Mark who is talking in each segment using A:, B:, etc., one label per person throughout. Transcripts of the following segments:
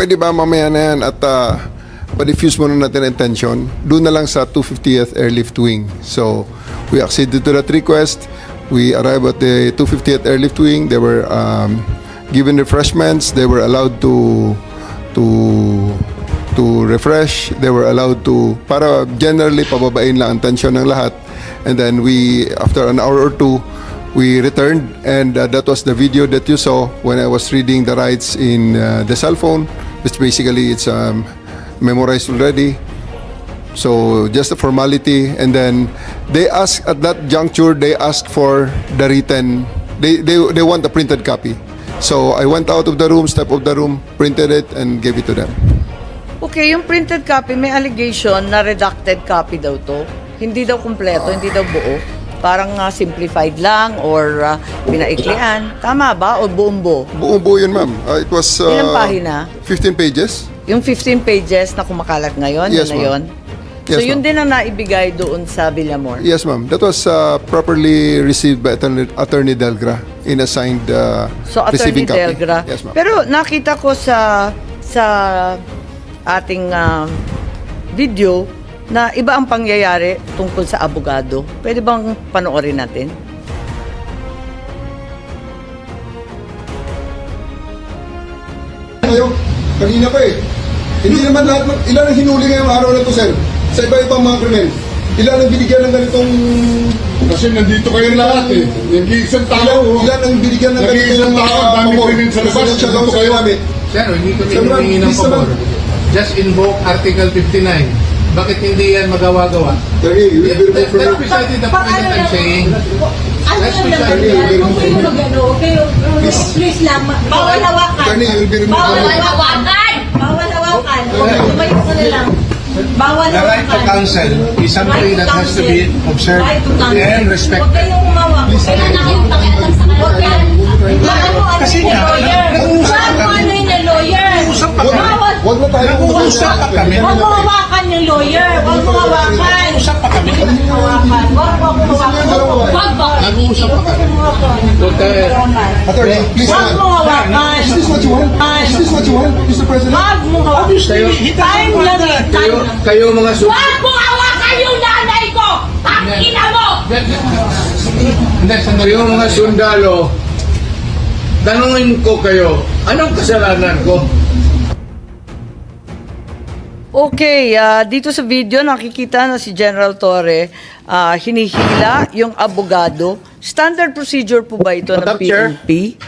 A: pwede ba mamaya na yan at pa-diffuse muna natin ang tension? Doon na lang sa 250th Airlift Wing. So, we acceded to that request. We arrived at the 250th Airlift Wing. They were given refreshments. They were allowed to refresh. They were allowed to, para generally pababain lang ang tension ng lahat. And then we, after an hour or two, we returned, and that was the video that you saw when I was reading the rights in the cell phone, which basically it's memorized already. So just a formality, and then they asked at that juncture, they asked for the written, they want a printed copy. So I went out of the room, stepped out of the room, printed it, and gave it to them.
B: Okay, yung printed copy, may allegation na redacted copy daw to. Hindi daw kumpleto, hindi daw buo. Parang simplified lang or pinaiklian. Tama ba? O buong buo?
A: Buong buo yun, ma'am. It was
B: Ilang pahina?
A: 15 pages.
B: Yung 15 pages na kumakalat ngayon,
A: Yes,
B: yun na yun?
A: Yes,
B: So yun
A: ma'am.
B: din ang naibigay doon sa Villamor?
A: Yes, ma'am. That was properly received by Attorney Delgra in assigned
B: So Attorney
A: receiving copy.
B: Delgra.
A: Yes, ma'am.
B: Pero nakita ko sa ating video na iba ang pangyayari tungkol sa abogado. Pwede bang panoorin natin?
A: Kayo, kanina pa eh. Hindi naman lahat, ilan ang hinuli ngayong araw na to, sir? Sa iba-ibang mga krimen. Ilan ang binigyan ng ganitong...
C: Kasi nandito kayo lahat eh. Nag-iisang tao.
A: Ilan ang binigyan ng
C: Nag-iisang tao, ang dami
A: pabor?
C: krimen sa labas.
A: Siya daw sa namin.
D: Sir, hindi kami
A: Sir,
D: humingi ng
A: please
D: pabor.
A: naman.
D: Just invoke Article 59. Bakit hindi yan magawa-gawa?
A: Attorney, you will be
D: That's
A: removed from...
D: precisely the point that I'm saying.
E: Ano
D: That's
E: lang naman
D: precisely
E: yan? Kung kayo mag-ano, kayo, please lang. Bawal hawakan.
A: Attorney, you will be removed
E: Bawal
A: from...
E: hawakan! Bawal hawakan. Tumayo ka na lang. Bawal
D: The right to
E: hawakan.
D: counsel is something that has to be observed
E: Right to counsel.
D: and
E: Huwag
D: respected.
E: kayong umawak. Huwag kayong nakipakialam sa kanila. Huwag yan. Ano
D: Kasi
E: yung
D: nga,
E: lawyer?
D: nag-uusap
E: Ano
D: kami.
E: yung lawyer?
D: Nag-uusap pa kami.
E: Bawal.
A: Huwag na tayo
D: Nag-uusap pa kami.
E: Huwag mo hawakan yung lawyer. Huwag mo hawakan.
D: Nag-uusap pa kami.
E: Hawakan. Huwag mo hawakan. Huwag ba?
D: Nag-uusap pa kami.
A: Attorney, please
E: Huwag mo
A: naman.
E: hawakan.
A: Is this what you want? Is this what you want, Mr. President?
E: Huwag mo hawakan. Time lang eh.
D: Kayo mga
E: Huwag mo hawakan yung nanay ko! Ang ina mo!
D: Kayo mga sundalo, tanungin ko kayo, anong kasalanan ko?
B: Okay, dito sa video nakikita na si General Torre hinihila yung abogado. Standard procedure po ba ito ng
D: Madam Chair?
B: PNP?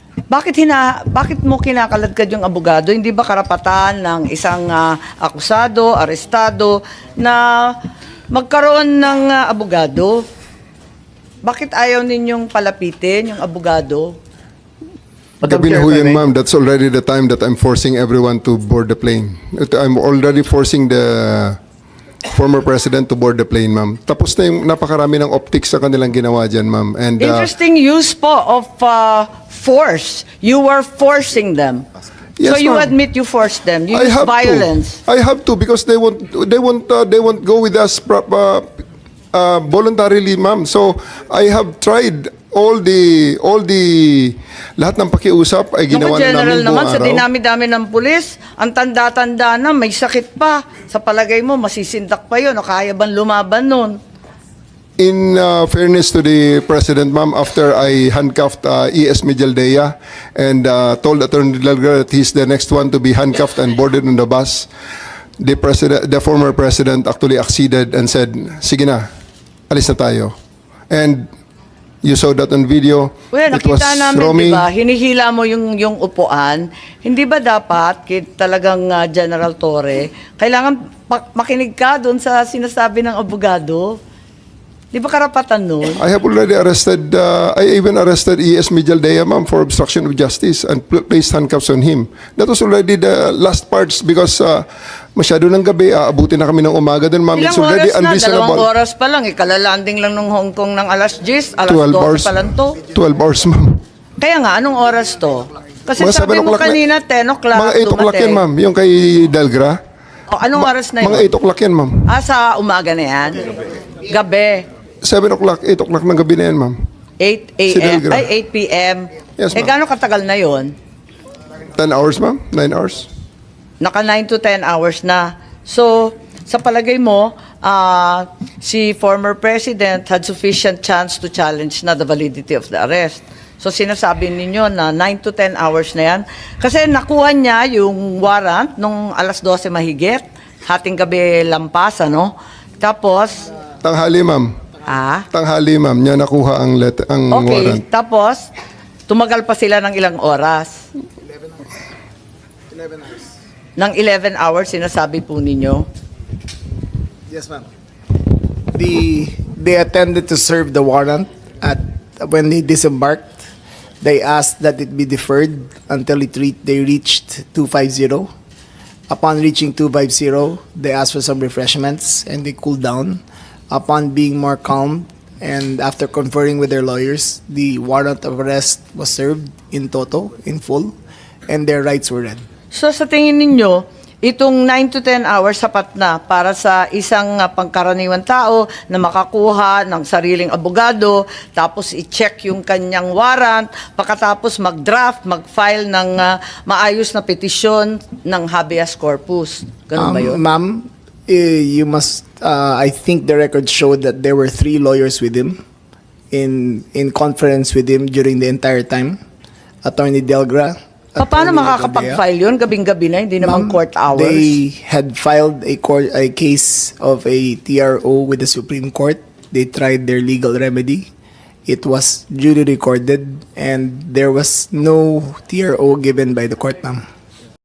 B: Bakit mo kinakaladkad yung abogado? Hindi ba karapatan ng isang akusado, arestado na magkaroon ng abogado? Bakit ayaw ninyong palapitin yung abogado?
A: Gabi na ho yun, ma'am. That's already the time that I'm forcing everyone to board the plane. I'm already forcing the former president to board the plane, ma'am. Tapos na yung napakarami ng optics sa kanilang ginawa dyan, ma'am. And
B: Interesting use po of force. You were forcing them.
A: Yes,
B: So you
A: ma'am.
B: admit you forced them. You
A: I
B: use
A: have
B: violence.
A: to. I have to because they won't go with us voluntarily, ma'am. So I have tried all the lahat ng pakiusap ay
B: Naku,
A: ginawa na
B: General
A: namin buong
B: naman, sa
A: araw.
B: dinami-dami ng pulis, ang tanda-tanda na, may sakit pa. Sa palagay mo, masisindak pa yun, o kaya bang lumaban nun?
A: In fairness to the President, ma'am, after I handcuffed E.S. Mijaldea and told Attorney Delgado that he's the next one to be handcuffed and boarded on the bus, the former President actually acceded and said, sige na, alis na tayo. And you saw that on video.
B: Well,
A: It was
B: nakita namin,
A: Romy.
B: di ba, hinihila mo yung upuan. Hindi ba dapat, talagang General Torre, kailangan makinig ka doon sa sinasabi ng abogado? Di ba karapatan nun?
A: I have already arrested, I even arrested E.S. Mijaldea, ma'am, for obstruction of justice and placed handcuffs on him. That was already the last parts because masyado ng gabi, aabutin na kami ng umaga din, ma'am.
B: Ilang
A: It's already
B: oras na?
A: unreasonable.
B: 2 oras pa lang. Ikalalanding lang ng Hong Kong ng alas 10, alas
A: 12
B: 12
A: hours.
B: pa lang to.
A: 12 hours, ma'am.
B: Kaya nga, anong oras to? Kasi
A: Mga
B: sabi
A: 7
B: mo
A: o'clock
B: kanina, 10 o'clock
A: Mga 8 o'clock yan,
B: dumating.
A: ma'am. Yung kay Delgra.
B: O, anong oras na yun?
A: Mga 8 o'clock yan, ma'am.
B: Sa umaga na yan? Gabi.
A: 7 o'clock, 8 o'clock ng gabi na yan, ma'am.
B: 8
A: Si
B: a.m.
A: Delgra.
B: Ay, 8 p.m.
A: Yes, ma'am.
B: Gano'ng katagal na yon?
A: 10 hours, ma'am? 9 hours?
B: Naka 9 to 10 hours na. So, sa palagay mo, si former president had sufficient chance to challenge na the validity of the arrest. So, sinasabi ninyo na 9 to 10 hours na yan. Kasi nakuha niya yung warrant nung alas 12 mahigit, hating gabi lampas, ano? Tapos,
A: Tanghali, ma'am. Tanghali, ma'am. Niya nakuha ang
B: okay.
A: warrant.
B: Tapos, tumagal pa sila ng ilang oras?
F: 11 hours.
B: Ng 11 hours, sinasabi po ninyo?
F: Yes, ma'am. They attended to serve the warrant when they disembarked. They asked that it be deferred until they reached 250. Upon reaching 250, they asked for some refreshments and they cooled down. Upon being more calm and after conferring with their lawyers, the warrant of arrest was served in toto, in full, and their rights were read.
B: So sa tingin ninyo, itong 9 to 10 hours sapat na para sa isang pangkaraniwan tao na makakuha ng sariling abogado, tapos i-check yung kanyang warrant, pagkatapos mag-draft, mag-file ng maayos na petisyon ng habeas corpus. Ganun ba yun?
F: Ma'am, you must, I think the records showed that there were 3 lawyers with him in conference with him during the entire time. Attorney Delgra.
B: Paano
F: Attorney
B: makakapag-file yun? Gabing-gabi na, hindi naman
F: Ma'am,
B: court hours.
F: They had filed a case of a TRO with the Supreme Court. They tried their legal remedy. It was duly recorded and there was no TRO given by the court, ma'am.